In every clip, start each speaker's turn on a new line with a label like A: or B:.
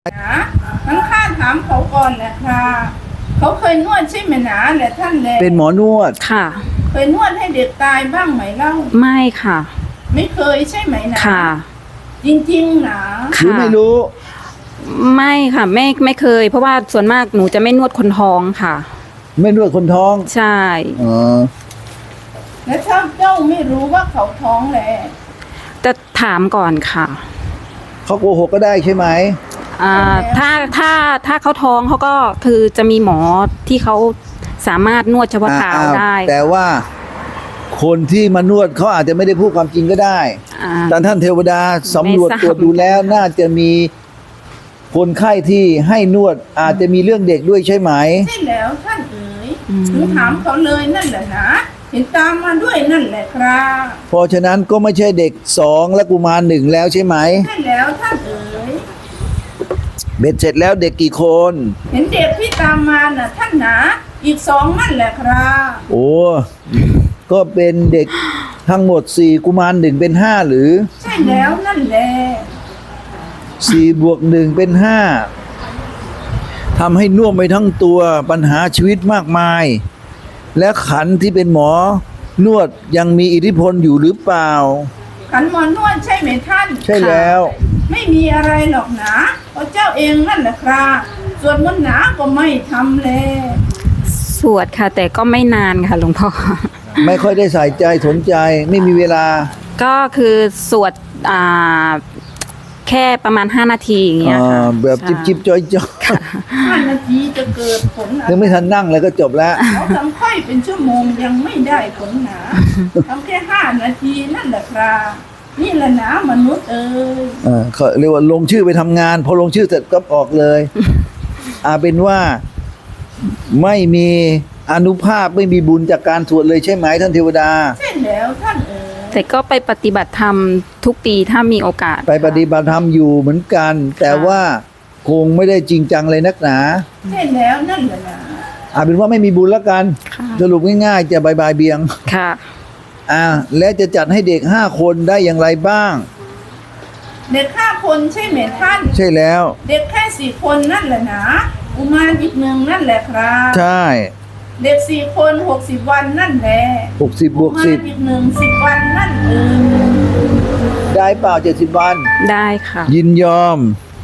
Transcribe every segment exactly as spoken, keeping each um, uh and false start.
A: นะงั้นข้าถามเขาก่อนแหละค่ะเขาเคยนวดใช่ไหมนะแหละท่านแหละ
B: เป็นหมอนวด
C: ค่ะ
A: เคยนวดให้เด็กตายบ้างไหมเล่า
C: ไม่ค่ะ
A: ไม่เคยใช่ไหมนะ
C: ค่ะ
A: จริงๆนะ
B: หรือไม่รู้
C: ไม่ค่ะไม่ไม่เคย เพราะว่าส่วนมากหนูจะไม่นวดคนท้องค่ะ
B: ไม่นวดคนท้อง
C: ใช่
B: อ๋อ
A: แล้วถ้าเจ้าไม่รู้ว่าเขาท้องแหละ
C: จะถามก่อนค่ะ
B: เขาโกหกก็ได้ใช่ไหม
C: อ่าถ้าถ้าถ้าเขาท้องเขาก็คือจะมีหมอที่เขาสามารถนวดเฉพาะทางได้
B: แต่ว่าคนที่มานวดเขาอาจจะไม่ได้พูดความจริงก็ได้แต่ท่านเทวดาสำรวจตรวจดูแล้วน่าจะมีคนไข้ที่ให้นวดอาจจะมีเรื่องเด็กด้วยใช่ไหม
A: ใช่แล้วท่านเอ๋ยหนูถามเขาเลยนั่นแหละนะเห็นตามมาด้วยนั่นแหละครับ
B: เพราะฉะนั้นก็ไม่ใช่เด็กสองและกุมารหนึ่งแล้วใช่ไหม
A: ใช่แล้วท่านเอ๋ย
B: เบ็ดเสร็จแล้วเด็กกี่คน
A: เห็นเด็กที่ตามมาน่ะท่านนะอีกสองนั่นแหละครับ
B: โอ้ก็เป็นเด็กทั้งหมดสี่กุมารหนึ่งเป็นห้าหรือ
A: ใช่แล้วนั่นแหละ
B: สี่บวกหนึ่งเป็นห้าทำให้น่วมไปทั้งตัวปัญหาชีวิตมากมายและขันที่เป็นหมอนวดยังมีอิทธิพลอยู่หรือเปล่า
A: ขันหมอนวดใช่ไหมท่าน
B: ใช่แล้ว
A: ไม่มีอะไรหรอกนะเพราะเจ้าเองนั่นแหละครับส่วนมนต์หนาก็ไม่ทำเลย
C: สวดค่ะแต่ก็ไม่นานค่ะหลวงพ่อ
B: ไม่ค่อยได้ใส่ใจสนใจไม่มีเวลา
C: ก็คือสวดอ่าแค่ประมาณห้านาทีอย่างเงี้ยค่ะ
B: แบบจิบจิบจอยจอย
A: ห้านาทีจะเกิดผล
B: ยังไม่ทันนั่งเลยก็จบแล้ว
A: เขาทำค่อยเป็นชั่วโมงยังไม่ได้ผลหนาทำแค่ห้านาทีนั่นแหละครับนี่แหละนะมนุษย์เอ้ย
B: เออเขาเรียกว่าลงชื่อไปทำงานพอลงชื่อเสร็จก็ออกเลยอาเป็นว่าไม่มีอานุภาพไม่มีบุญจากการสวดเลยใช่ไหมท่านเทวดา
A: ใช่แล้วท่านเอ๋ย
C: แต่ก็ไปปฏิบัติธรรมทุกปีถ้ามีโอกาส
B: ไปปฏิบัติธรรมอยู่เหมือนกันแต่ว่าคงไม่ได้จริงจังเลยนักหนา
A: ใช่แล้วนั่นแหละนะ
B: อาเป็นว่าไม่มีบุญแล้วกันสรุปง่ายๆจะบายบายเบียง
C: ค่ะ
B: อ่าและจะจัดให้เด็กห้าคนได้อย่างไรบ้าง
A: เด็กห้าคนใช่ไหมท่าน
B: ใช่แล้ว
A: เด็กแค่สี่คนนั่นแหละนะอุมารอีกหนึ่งนั่นแหละครับ
B: ใช่
A: เด็กสี่คนหกสิบวันนั่นแหละ
B: หกสิบบวกสิบ
A: อีกหนึ่งสิบวันนั่นเอง
B: ได้เปล่าเจ็ดสิบวัน
C: ได้ค่ะ
B: ยินยอม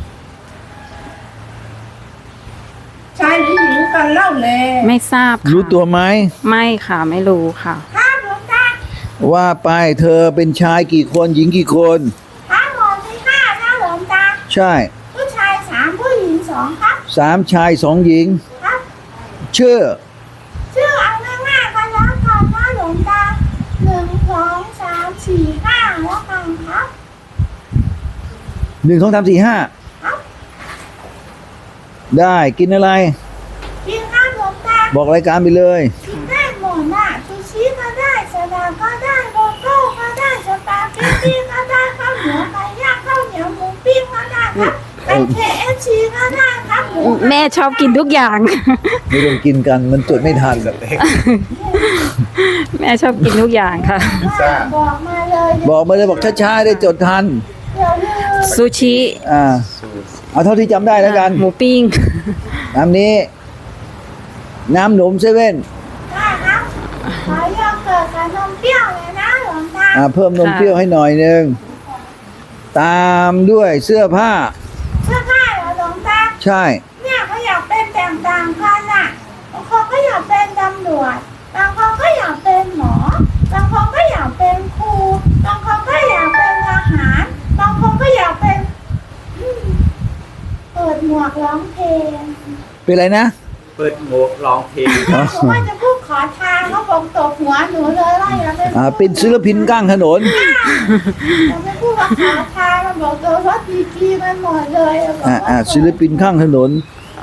A: ชายหรือหญิงกันเล่าแล
C: ไม่ทราบค่ะ
B: รู้ตัวไหม
C: ไม่ค่ะไม่รู้ค่ะ
A: ค่ะหลวงตา
B: ว่าไปเธอเป็นชายกี่คนหญิงกี่คน
A: ค่ะหลวงพี่ค่ะค่ะหลวงตา
B: ใช่
A: ผู้ชายสามผู้หญิงสองครับ
B: สามชายสองหญิง
A: ครับ
B: ชื่อ
A: ชื่อเอาง่ายๆกันแล้วกันว่าหลวงตาหนึ่งสองสามสี่ห้าแล้วกันครับ
B: หนึ่งสองสามสี่ห้าได้กินอะไร
A: กินข้าวหลวงตา
B: บอกรายการไปเลย
A: กินได้หมดน่ะซูชิก็ได้สลัดก็ได้โกโก้ก็ได้สปาเกตตี้ก็ได้ข้าวเหนียวไก่ย่างข้าวเหนียวหมูปิ้งก็ได้ครับเป็น เค เอฟ ซี ก็ได้ครับหมู
C: แม่ชอบกินทุกอย่าง
B: ไม่ต้องกินกันมันจดไม่ทันแบบ
C: แม่ชอบกินทุกอย่างค่ะ
A: บอกมาเลย
B: บอกมาเลยบอกช้าๆได้จดทัน
C: ซูชิ
B: อ่าเอาเท่าที่จำได้แล้วกัน
C: หมูปิ้ง
B: น้ำนี้น้ำหนมเซเว่น
A: ได้ครับขอโยเกิร์ตกับนมเปรี้ยวเลยนะหลวงตา
B: อ่าเพิ่มนมเปรี้ยวให้หน่อยนึงตามด้วยเสื้อผ้า
A: เสื้อผ้าเหรอหลวงตา
B: ใช่
A: เนี่ยเขาอยากเป็นแต่งต่างกันอ่ะบางคนก็อยากเป็นตำรวจบางคนก็อยากเป็นหมอบางคนก็อยากเป็นครูบางคนก็อยากเป็นทหารบางคนก็อยากเป็นเปิดหมวกร้องเพลง
B: เป็นอะไรนะ
D: เปิดหมวกร้องเพลง
A: ผมว่าจะพูดขอทางเขาบอกตบหัวหนูเลยว่าอย่าเป็น
B: อ่าเป็นศิลปินก้างถนน
A: เราไม่พูดว่าขอทางเราบอกตัวว่าดีกีมันหมดเลย
B: อ่าอ่าศิลปินข้างถนน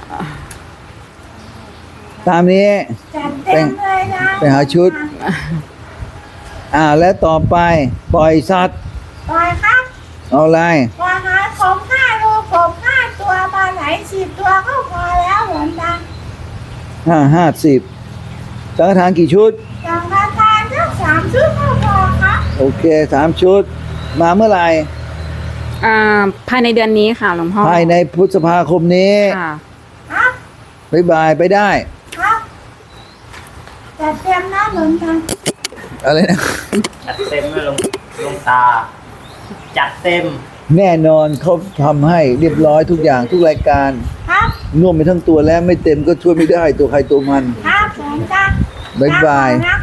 B: ตามนี้
A: จัดเต็มเลยนะ
B: ไปหาชุดอ่าและต่อไปปล่อยสัตว์
A: ปล่อยครับ
B: เอาอะไร
A: ปล่อยหาของห้าโลกบห้าตัวปลาไหลสิบตัวก็พอแล้วเหมือนกัน
B: ห้าห้าสิบสังฆทานกี่ชุด
A: สังฆทานทั้งสามชุดก็พอครับ
B: โอเคสามชุดมาเมื่อไหร่
C: อ่าภายในเดือนนี้ค่ะหลวงพ่อ
B: ภายในพฤษภาคมนี้
C: ค่ะ
A: ครับ
B: บ๊ายบายไปได้
A: ครับจัดเตรียมนะหลวงตา
B: อะไรนะ
D: จัดเต็มเลยลงลงตา จัดเต็ม
B: แน่นอนเขาทำให้เรียบร้อยทุกอย่างทุกรายการ
A: ครับ
B: น่วมไปทั้งตัวแล้วไม่เต็มก็ช่วยไม่ได้ตัวใครตัวมัน
A: ครับหลวงตา
B: บ๊ายบาย
A: ลก่อนนะ